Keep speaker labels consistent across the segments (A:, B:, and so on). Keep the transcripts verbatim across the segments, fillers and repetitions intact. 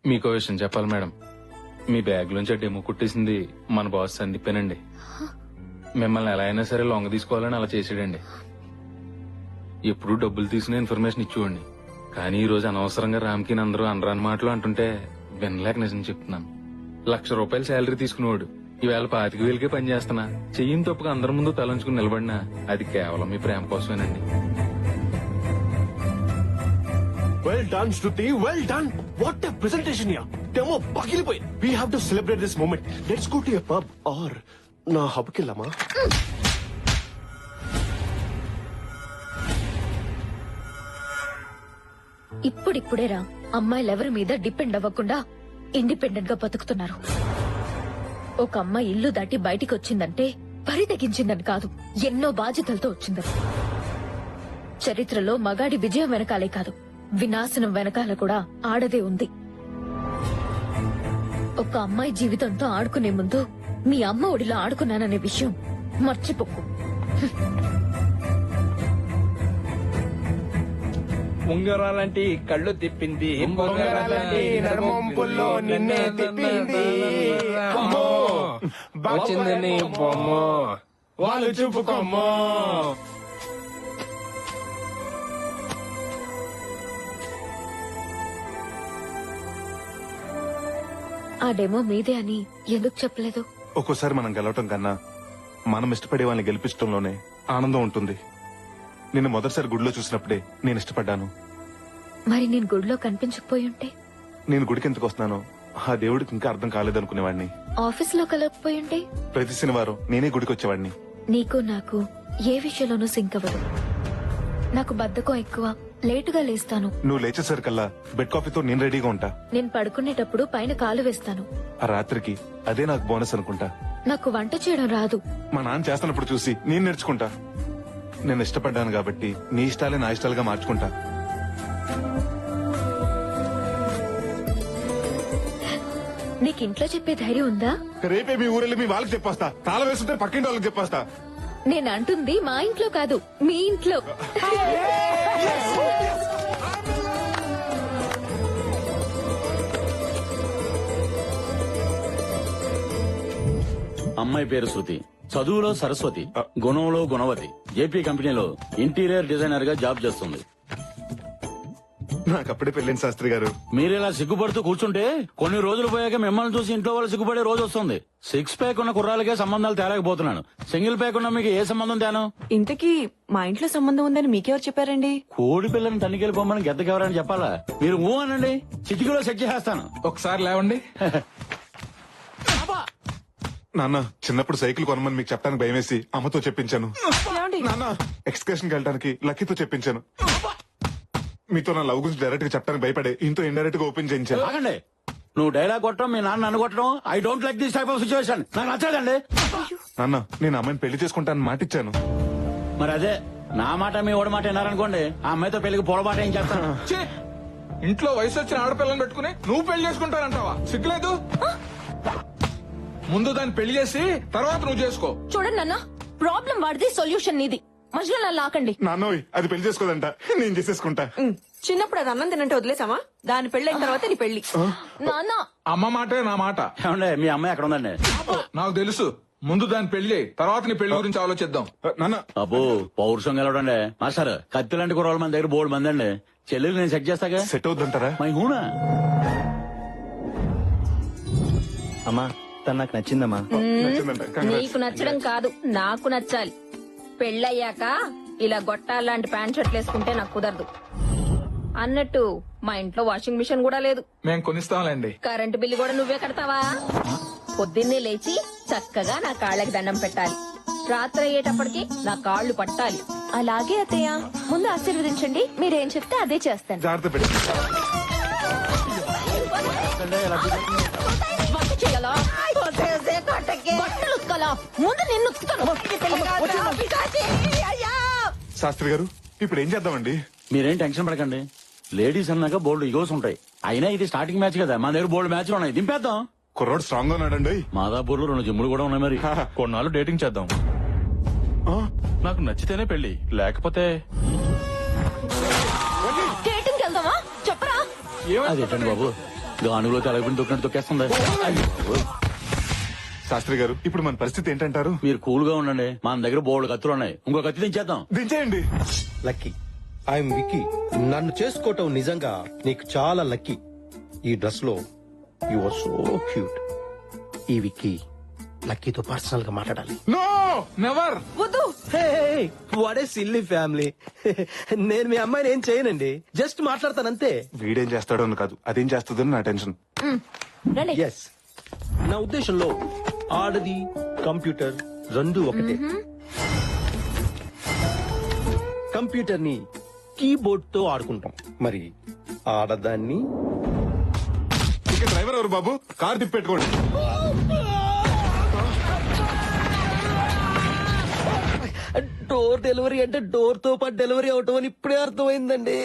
A: మీకో విషయం చెప్పాలి మేడం, మీ బ్యాగ్ లోంచి ఆ డెమో కుట్టేసింది మన బాస్ సందీపేనండి. మిమ్మల్ని ఎలా అయినా సరే లొంగ తీసుకోవాలని అలా చేసాడండి. ఎప్పుడు డబ్బులు తీసుకునే ఇన్ఫర్మేషన్ ఇచ్చేవాడిని, కానీ ఈ రోజు అనవసరంగా రామ్కి అందరూ అనరాని మాటలు అంటుంటే వినలేక నిజం చెప్తున్నాను. లక్ష రూపాయలు శాలరీ తీసుకునేవాడు ఈవేళ పాతిక వేలకే పని చేస్తున్నా. చెయ్యిన తప్పుగా అందరి ముందు తలంచుకుని నిలబడినా అది కేవలం మీ ప్రేమ కోసమేనండి.
B: Well done, Shruti. Well done. What a presentation here. Demo bagilipoyi. We have to celebrate this moment. Let's go to a pub or na hub ki lama.
C: ఇప్పుడిప్పుడేరా అమ్మాయిలు ఎవరి మీద డిపెండ్ అవ్వకుండా ఇండిపెండెంట్ గా బతుకుతున్నారు. ఒక అమ్మాయి ఇల్లు దాటి బయటికి వచ్చిందంటే పరి తెగించిందని కాదు, ఎన్నో బాధ్యతలతో వచ్చిందని. చరిత్రలో మగాడి విజయం వెనకాలే కాదు, వినాశనం వెనకాల కూడా ఆడదే ఉంది. ఒక అమ్మాయి జీవితంతో ఆడుకునే ముందు మీ అమ్మ ఒడిలో ఆడుకున్నాననే విషయం మర్చిపోకు.
D: ఉంగరాలంటి కళ్ళు తిప్పింది,
E: ఉంగరాలంటి నడుమొంపుల్లో నిన్నే తిప్పింది. అమ్మో,
D: వచ్చింది నీ బొమ్మ,
E: వాళ్ళు చూపుకోమ్మో.
C: ఆ డెమో మీదే అని ఎందుకు చెప్పలేదు?
F: ఒక్కోసారి మనం గెలవటం కన్నా మనం ఇష్టపడే వాళ్ళని గెలిపించడంలోనే ఆనందం ఉంటుంది. నిన్ను మొదటిసారి గుడిలో చూసినప్పుడే నేను ఇష్టపడ్డాను.
C: మరి నేను గుడిలో కనిపించకపోయి ఉంటే?
F: నేను గుడికి ఎందుకు వస్తున్నానో ఆ దేవుడికి ఇంకా అర్థం కాలేదనుకునేవాడిని.
C: ఆఫీస్ లో కలగకపోయి ఉంటే?
F: ప్రతి శనివారం నేనే గుడికి వచ్చేవాడిని.
C: నీకు నాకు ఏ విషయంలోనూ సింక్ అవ్వదు. నాకు బద్ధకం ఎక్కువ, లేటుగా లేస్తాను.
F: నువ్వు లేచేసరికల్లా బెడ్ కాఫీతో నేను రెడీగా ఉంటా.
C: నేను పడుకునేటప్పుడు పైన కాలు వేస్తాను.
F: ఆ రాత్రికి అదే నాకు బోనస్ అనుకుంటా.
C: నాకు వంట చేయడం రాదు.
F: మా నాన్న చేస్తున్నప్పుడు చూసి నేను నేర్చుకుంటా. నేను ఇష్టపడ్డాను కాబట్టి నీ ఇష్టాలే నా ఇష్టాలుగా మార్చుకుంటా.
C: నీకు ఇంట్లో చెప్పే ధైర్యం ఉందా?
F: రేపే మీ ఊరెళ్ళి మీ వాళ్ళకి చెప్పేస్తా. తాళం వేస్తుంటే పక్కింటి వాళ్ళకి చెప్పేస్తా.
C: నేను అంటుంది మా ఇంట్లో కాదు, మీ ఇంట్లో.
G: అమ్మాయి పేరు శృతి, చదువులో సరస్వతి, గుణంలో గుణవతి. జేపీ కంపెనీలో ఇంటీరియర్ డిజైనర్ గా జాబ్ చేస్తుంది.
F: నాకు అప్పుడే పెళ్ళింది శాస్త్రి గారు.
G: మీరిలా సిగ్గుపడుతూ కూర్చుంటే కొన్ని రోజులు పోయాక మిమ్మల్ని చూసి ఇంట్లో వాళ్ళు సిగ్గుపడే రోజు వస్తుంది. సిక్స్ ప్యాక్ ఉన్న కుర్రాలకే సంబంధాలు తేలేకపోతున్నాను. సింగిల్ ప్యాక్ ఉన్న మీకు ఏ సంబంధం తేను?
H: ఇంతకీ మా ఇంట్లో సంబంధం ఉందని మీకెవరు చెప్పారండి?
G: కోడి పిల్లని తనిఖీలు పొమ్మని గెద్దకెవరని చెప్పాలా? మీరు ఊ అనండి, చిటికీలో సెట్ చేస్తాను.
D: ఒకసారి లేవండి.
F: నాన్న, చిన్నప్పుడు సైకిల్ కొనమని మీకు చెప్పడానికి భయం వేసి అమ్మతో చెప్పించాను. నాన్న, ఎక్స్కర్షన్ కి వెళ్ళడానికి లక్కీతో చెప్పించాను. మీతో నా లవ్ గురించి డైరెక్ట్ గా చెప్పడానికి భయపడే ఇంతో ఇండైరెక్ట్ గా ఓపెన్ చేయించాను.
G: ఆగండి, నువ్వు డైలాగ్ కొట్టడం, మీ నాన్న నన్ను కొట్టడం, I don't like this type of situation. నాకు నచ్చదండి.
F: నాన్న, నేను అమ్మాయిని పెళ్లి చేసుకుంటానని మాటిచ్చాను.
G: మరి అదే నా మాట మీ ఓడి మాట విన్నారనుకోండి, ఆ అమ్మాయితో పెళ్లికి పొరపాటు ఏం చేస్తాను?
D: ఛీ! ఇంట్లో వయసు వచ్చిన ఆడపిల్లని పెట్టుకుని నువ్వు పెళ్లి చేసుకుంటానంటావా? సిగ్గులేదు? ముందు దాన్ని పెళ్లి చేసి తర్వాత నువ్వు చేసుకో.
C: చూడండి నాన్న, ప్రాబ్లం వాడిది, సొల్యూషన్ నీది. మధ్యలో నన్ను లాకండి.
F: నాన్నోయ్, అది పెళ్లి చేసుకోదంట, నేను చేసేసుకుంటా.
H: చిన్నప్పుడు అది అన్నం తినంటే వదిలేసామా? దాని పెళ్ళైన తర్వాత నీ పెళ్లి.
C: నాన్న,
D: అమ్మ మాటే నా మాట.
G: ఏమండి, మీ అమ్మాయి ఎక్కడ ఉందండి?
D: నాకు తెలుసు. ముందు దాన్ని పెళ్లి, తర్వాత నీ పెళ్లి గురించి ఆలోచిద్దాం.
F: నాన్న,
G: అబ్బో, పౌరుషం గెలవడండి. మాస్టర్, కత్తి లాంటి కుర్రాళ్ళు మన దగ్గర బోర్డు మంది అండి. చెల్లెలు నేను సెట్ చేస్తాగా.
F: సెట్ అవుద్దంటారా?
G: మై హూనా.
E: అమ్మా, తను నాకు నచ్చిందమ్మా.
F: నచ్చిందంట. Congrats.
C: నీకు నచ్చడం కాదు, నాకు నచ్చాలి. పెళ్ళయ్యాక ఇలా గొట్టాలాంటి ప్యాంట్ షర్ట్లు వేసుకుంటే నాకు కుదరదు. అన్నట్టు మా ఇంట్లో వాషింగ్ మిషన్ కూడా లేదు.
D: మేము కొనిస్తాంలేండి.
C: కరెంటు బిల్లు కూడా నువ్వే కడతావా? పొద్దున్నే లేచి చక్కగా నా కాళ్ళకి దండం పెట్టాలి. రాత్రి అయ్యేటప్పటికి నా కాళ్ళు పట్టాలి. అలాగే అత్తయ్య, ముందు ఆశీర్వదించండి. మీరేం చెప్తే అదే చేస్తాను.
F: జాగ్రత్త పెట్టి.
C: వంట చేయాలా? బట్టలు ఉతకాలా? ముందు నిన్ను ఉతుకుతాను.
F: శాస్త్రి గారు, ఇప్పుడు ఏం చేద్దామండి?
G: మీరేం టెన్షన్ పడకండి. లేడీస్ అన్నాక బోల్డ్ ఇగోస్ ఉంటాయి. అయినా ఇది స్టార్టింగ్ మ్యాచ్ కదా, మన దగ్గర బోల్డ్ మ్యాచ్లు ఉన్నాయి. దింపేద్దాం.
F: కుర్రోడు స్ట్రాంగ్ గా ఉన్నాడండి.
G: మాదాపూర్ లో రెండు జిమ్ములు కూడా ఉన్నాయి. మరి
A: కొన్నాళ్ళు డేటింగ్ చేద్దాం. నాకు నచ్చితేనే పెళ్లి, లేకపోతే
C: డేటింగ్ వెళ్దామా? చెప్పరా.
G: అదేంటండి బాబు, గానుగులో తెలగపిండి తొక్కినట్టు తొక్కేస్తుంది.
F: శాస్త్రి గారు ఇప్పుడు మన పరిస్థితి ఏంటంటారు?
G: మీరు కూల్ గా ఉండండి, మన దగ్గర బోల్డ్ కత్తులు ఉన్నాయి, ఇంకో కత్తి దించేద్దాం.
F: దించేయండి.
I: లక్కీ ఐఎమ్ విక్కీ. నన్ను చేసుకోవటం నిజంగా నీకు చాలా లక్కీ. ఈ డ్రెస్ లో యు ఆర్ సో క్యూట్. ఈ విక్కీ లక్కీతో పర్సనల్ గా మాట్లాడాలి.
F: No
D: never.
H: వద్దు.
I: What a silly family. నేను మీ అమ్మాయిని ఏం చేయనండి, జస్ట్ మాట్లాడతానంతే.
F: వీడేం చేస్తాడో అని కాదు, అదేం చేస్తుందని నా టెన్షన్.
C: రండి.
I: ఎస్, నా ఉద్దేశంలో ఆడది కంప్యూటర్ రెండు ఒకటే. కంప్యూటర్ ని కీబోర్డ్ తో ఆడుకుంటాం, మరి ఆడదాన్ని
F: ఇక డ్రైవర్ ఎవరు బాబు? కార్ తిప్పెట్టుకోండి.
I: డోర్ డెలివరీ అంటే డోర్ తో పాటు డెలివరీ అవటం అని ఇప్పుడే అర్థమైందండి.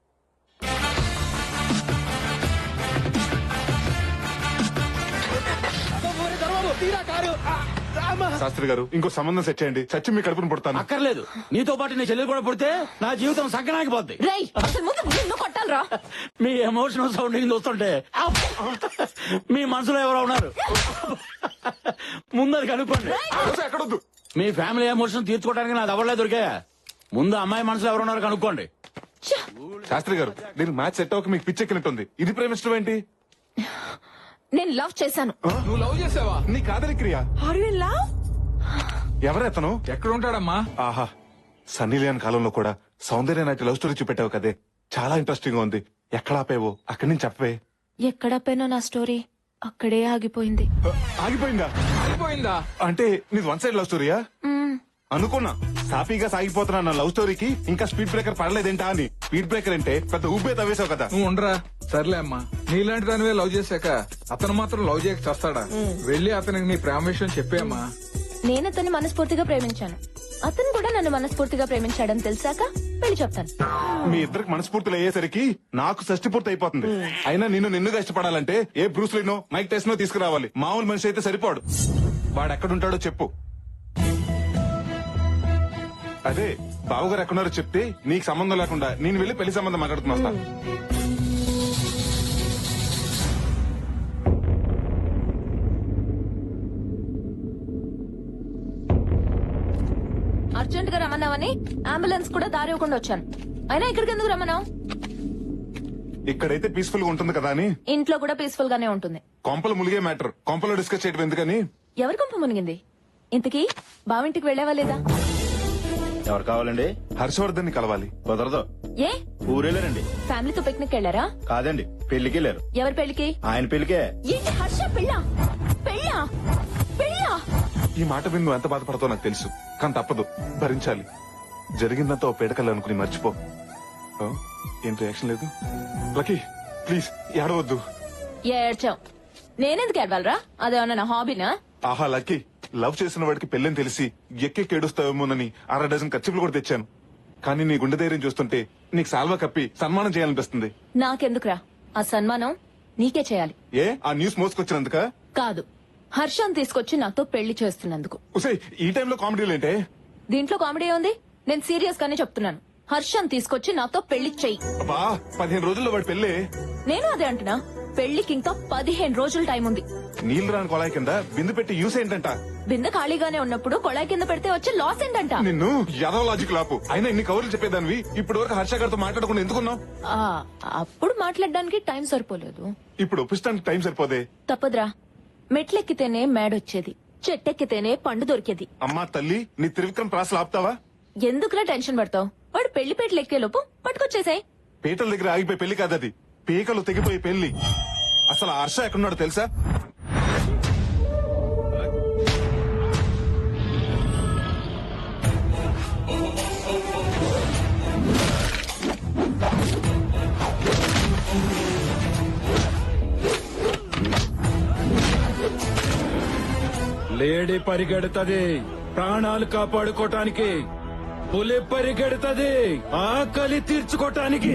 F: శాస్త్రి గారు ఇంకో సంబంధం సెట్ చేయండి, చచ్చి మీ కడుపును పుడతాను.
G: అక్కర్లేదు, నీతో పాటు నీ చెల్లెలు కూడా పుడితే నా జీవితం సగ్గనాగిపోద్ది.
C: రేయ్ అసలు ముందు నిన్ను కొట్టాలరా.
G: మీ ఎమోషనల్ సౌండింగ్ చూస్తుంటే మీ మనసులో ఎవరో ఉన్నారు, ముందది కనుక్కోండి.
F: ఎక్కడొద్దు.
G: మీ ఫ్యామిలీ ఎమోషన్ తీర్చుకోవడానికి నాది ఎవరలే దొరికా. ముందు అమ్మాయి మనసులో ఎవరు ఉన్నారు కనుక్కోండి.
F: శాస్త్రి గారు దీనికి మ్యాచ్ సెట్ అవ్వక మీకు పిచ్చెక్కినట్టుంది. ఇది ప్రేమిష్టం ఏంటి?
C: నేను లవ్ చేశాను.
D: నువ్వు లవ్ చేసావా?
F: నీ కాదలి క్రియ.
H: Are you in love?
F: ఎవరెతను?
D: ఎక్కడ ఉంటాడమ్మా?
F: ఆహా, సన్నీ లియోన్ కాలంలో కూడా సౌందర్య నాటి లవ్ స్టోరీ చూపెట్టావు కదే, చాలా ఇంట్రెస్టింగ్ గా ఉంది. ఎక్కడ ఆపేవో అక్కడి నుంచి చెప్పవే.
C: ఎక్కడ పోయినా నా స్టోరీ అక్కడే ఆగిపోయింది.
F: ఆగిపోయిందా?
D: అయిపోయిందా?
F: అంటే నీది వన్ సైడ్ లవ్ స్టోరీయా? అనుకున్నా సాఫీగా సాగిపోతున్నా నా లవ్ స్టోరీకి ఇంకా స్పీడ్ బ్రేకర్ పడలేదేంటా అని. స్పీడ్ బ్రేకర్ అంటే పెద్ద ఊపే తవ్వేశావు కదా.
D: నువ్వు ఉండరా. సర్లే అమ్మా, నీలాంటి దానివే లవ్ చేశాక అతను మాత్రం లవ్ చేయక చేస్తాడా? వెళ్ళి అతనికి నీ ప్రేమ విషయం చెప్పేమ్మా.
C: నేను అతన్ని మనస్ఫూర్తిగా ప్రేమించాను, అతను కూడా నన్ను మనస్ఫూర్తిగా ప్రేమించాడని తెలిసాక పెళ్లి చెప్తాను.
F: మీ ఇద్దరికి మనస్ఫూర్తులు అయ్యేసరికి నాకు షష్టి పూర్తి అయిపోతుంది. అయినా నిన్ను నిన్నుగా ఇష్టపడాలంటే ఏ బ్రూస్లీనో మైక్ టెస్ట్నో తీసుకురావాలి. మామూలు మనిషి అయితే సరిపోడు. వాడు ఎక్కడుంటాడో చెప్పు. అదే బావగారు ఎక్కడున్నారో చెప్తే నీకు సంబంధం లేకుండా నేను వెళ్ళి పెళ్లి సంబంధం మాట్లాడుతున్నా వస్తా.
C: అర్జెంట్ గా రమ్మన్నావని అంబులెన్స్ కూడా దారి ఇవ్వకుండా వచ్చాను. అయినా ఇక్కడికి ఎందుకు రమ్మన్నావు?
F: ఇక్కడైతే పీస్ఫుల్ గా ఉంటుంది కదా అని.
C: ఇంట్లో కూడా పీస్ఫుల్ గానే ఉంటుంది.
F: కొంపలు ములిగే మ్యాటర్ కొంపలో డిస్కస్ చేయడం ఎందుకని.
C: ఎవరి కొంప మునిగింది? ఇంతకీ బావింటికి వెళ్ళావా లేదా?
E: ఎవరు కావాలండి?
F: హర్షవర్ధన్ ని కలవాలి.
E: కుదరదు.
C: ఏ
E: ఊరెళ్ళారండి.
C: ఫ్యామిలీతో పిక్నిక్ వెళ్ళారా?
E: కాదండి, పెళ్లికి వెళ్ళారు.
C: ఎవరి పెళ్లికి?
E: ఆయన పెళ్లికే.
C: ఏంటి హర్ష పెళ్ళా? పెళ్ళా? పెళ్ళా?
F: ఈ మాట విని నువ్వు ఎంత బాధపడతావు నాకు తెలుసు, కానీ తప్పదు, భరించాలి. జరిగిందంతా ఓ పేడకల్ అనుకుని మర్చిపో. ఆ? ఏం రియాక్షన్ లేదు? లక్కీ ప్లీజ్ ఏడవద్దు.
C: ఏడ్చావు. నేనెందుకు ఏడవాలరా? అదేమన్నా నా హాబీనా?
F: ఆహా లక్కీ, లవ్ చేసిన వాడికి పెళ్ళని తెలిసి ఎక్కెక్కి ఏడుస్తావేమోనని అర డజన్ ఖర్చులు కూడా తెచ్చాను. కానీ నీ గుండె ధైర్యం చూస్తుంటే నీకు సాల్వా కప్పి సన్మానం చేయాలనిపిస్తుంది.
C: నాకెందుకురా ఆ సన్మానం? నీకే చేయాలి.
F: ఏ ఆ న్యూస్ మోసుకొచ్చినందుక?
C: కాదు, హర్షం తీసుకొచ్చి నాతో పెళ్లి చేస్తున్నందుకు.
F: ఉసే ఈ టైంలో కామెడీలేంటే?
C: దీంట్లో కామెడీ ఉంది. నేను సీరియస్ గానే చెప్తున్నాను. హర్షం తీసుకొచ్చి నాతో పెళ్లి చెయ్యి.
F: అబ్బా పదిహేను రోజుల్లో వాడి పెళ్ళే.
C: నేను అదే అంటున్నా, పెళ్లికి ఇంకా పదిహేను రోజులు టైం ఉంది.
F: నీళ్లు రాని కొలాయి కింద బిందు పెట్టి యూస్ ఏంటంట?
C: బిందె ఖాళీగానే ఉన్నప్పుడు కొళాయి కింద పెడితే వచ్చే లాస్ ఏంటంట?
F: నిన్ను యాదవ లాజిక్ లాపు. అయినా ఇన్ని కవర్లు చెప్పేదానివి ఇప్పటి వరకు హర్ష గారితో మాట్లాడకుండా ఎందుకున్నావు?
C: ఆ, అప్పుడు మాట్లాడడానికి టైం సరిపోలేదు.
F: ఇప్పుడు ఒప్పిస్తానికి టైం సరిపోదే.
C: తప్పదురా, మెట్లెక్కితేనే మేడొచ్చేది, చెట్టెక్కితేనే పండు దొరికేది.
F: అమ్మా తల్లి, నీ త్రివిక్రమ్ ప్రాసలు ఆపుతావా?
C: ఎందుకురా టెన్షన్ పడతావు? వాడు పెళ్లి పేటలు ఎక్కే లోపు పట్టుకొచ్చేసాయి.
F: పీటల దగ్గర ఆగిపోయి పెళ్లి కాదది, పీకలు తెగిపోయి పెళ్లి. అసలు ఆ హర్ష ఎక్కడున్నాడో తెలుసా?
J: లేడీ పరిగెడుతుంది ప్రాణాలు కాపాడుకోటానికి, పులి పరిగెడుతుంది ఆకలి తీర్చుకోటానికి.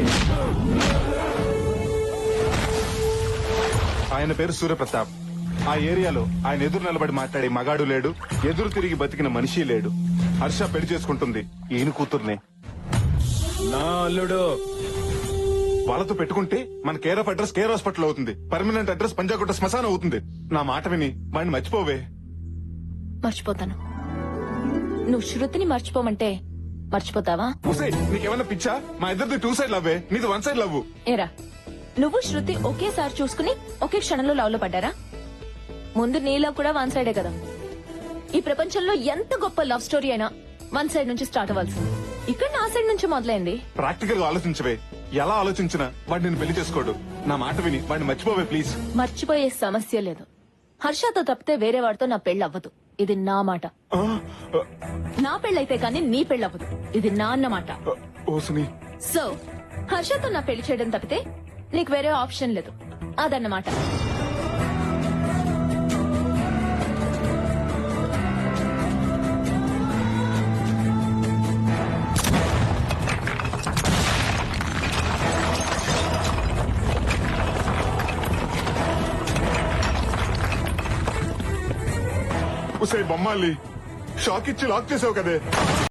F: ఆయన పేరు సూర్యప్రతాప్. ఆ ఏరియాలో ఆయన ఎదురు నిలబడి మాట్లాడే మగాడు లేడు, ఎదురు తిరిగి బతికిన మనిషి లేడు. హర్ష పెళ్లి చేసుకుంటుంది ఈయన కూతుర్నే.
J: నా అల్లుడు
F: వాళ్ళతో పెట్టుకుంటే మన care of address care hospital అవుతుంది, పర్మనెంట్ అడ్రస్ పంజాగుట్ట శ్మశానం అవుతుంది. నా మాట విని వాడిని మర్చిపోవే.
C: మర్చిపోతాను. నువ్వు శృతిని మర్చిపోమంటే మర్చిపోతావా?
F: ఉసే నీకేమన్నా పిచ్చా? మా ఇద్దరిది టూ సైడ్ లవ్వే, నీది వన్ సైడ్ లవ్.
C: ఏరా, నువ్వు శృతి ఒకేసారి చూసుకుని ఒకే క్షణంలో లవ్ లో పడ్డారా? ముందు నీ లవ్ కూడా వన్ సైడే కదా. ఈ ప్రపంచంలో ఎంత గొప్ప లవ్ స్టోరీ అయినా వన్ సైడ్ నుంచి స్టార్ట్ అవ్వాల్సింది. ఇక్కడ నా సైడ్ నుంచి మొదలైంది.
F: ప్రాక్టికల్ గా ఆలోచించవే. ఎలా ఆలోచించినా వాడు నేను పెళ్లి చేసుకోడు. నా మాట విని వాడిని మర్చిపోవే ప్లీజ్.
C: మర్చిపోయే సమస్య లేదు. హర్షతో తప్పితే వేరే వాడితో నా పెళ్లి అవ్వదు. ఇది నా మాట.
F: ఆ, ఆ,
C: నా పెళ్ళైతే కానీ నీ పెళ్లి అవ్వదు. ఇది నా అన్నమాట.
F: ఆ, ఓ సునీ,
C: సో హర్షతో నా పెళ్లి చేయడం తప్పితే నీకు వేరే ఆప్షన్ లేదు. అదన్నమాట.
F: ఉసే బొమ్మాలి షాక్ ఇచ్చి లాక్ చేసావు కదే.